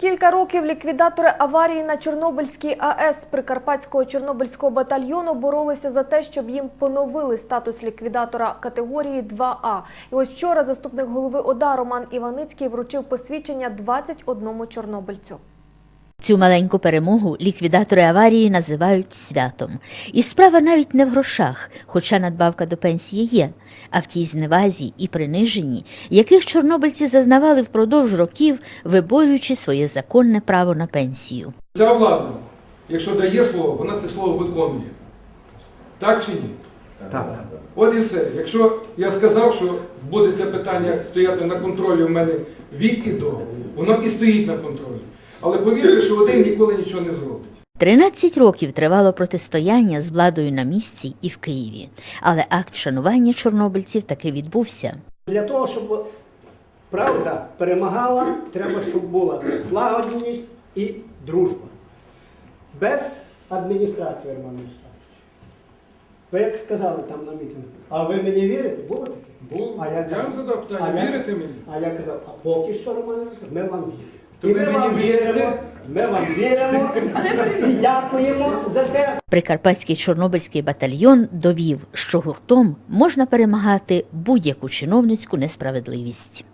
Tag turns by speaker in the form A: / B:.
A: кілька років ліквідатори аварії на Чорнобильській АЕС Прикарпатського Чорнобильського батальйону боролися за те, щоб їм поновили статус ліквідатора категорії 2А. І ось вчора заступник голови ОДА Роман Іваницький вручив посвідчення 21 чорнобильцю.
B: Цю маленьку перемогу ліквідатори аварії називають святом. І справа навіть не в грошах, хоча надбавка до пенсії є, а в тій зневазі і приниженні, яких чорнобильці зазнавали впродовж років, виборюючи своє законне право на пенсію.
C: Ця влада, якщо дає слово, вона це слово виконує. Так чи ні?
D: Так.
C: От і все. Якщо я сказав, що буде це питання стояти на контролі у мене від і до, воно і стоїть на контролі. Але повірте, що один ніколи нічого не зробить.
B: 13 років тривало протистояння з владою на місці і в Києві. Але акт шанування чорнобильців таки відбувся.
D: Для того, щоб правда перемагала, треба, щоб була злагодженість і дружба. Без адміністрації, Роман Олександрович. Ви як сказали там на мітингу, а ви мені вірите? Було таке?
C: Був.
D: А
C: Я вам задав питання, вірите мені?
D: А я казав, а поки що, Роман Олександрович, ми вам віримо.
C: То
D: І
C: ви
D: ми вам
C: мені
D: віримо,
C: вірите?
D: ми вам віримо і дякуємо за те.
B: Прикарпатський Чорнобильський батальйон довів, що гуртом можна перемагати будь-яку чиновницьку несправедливість.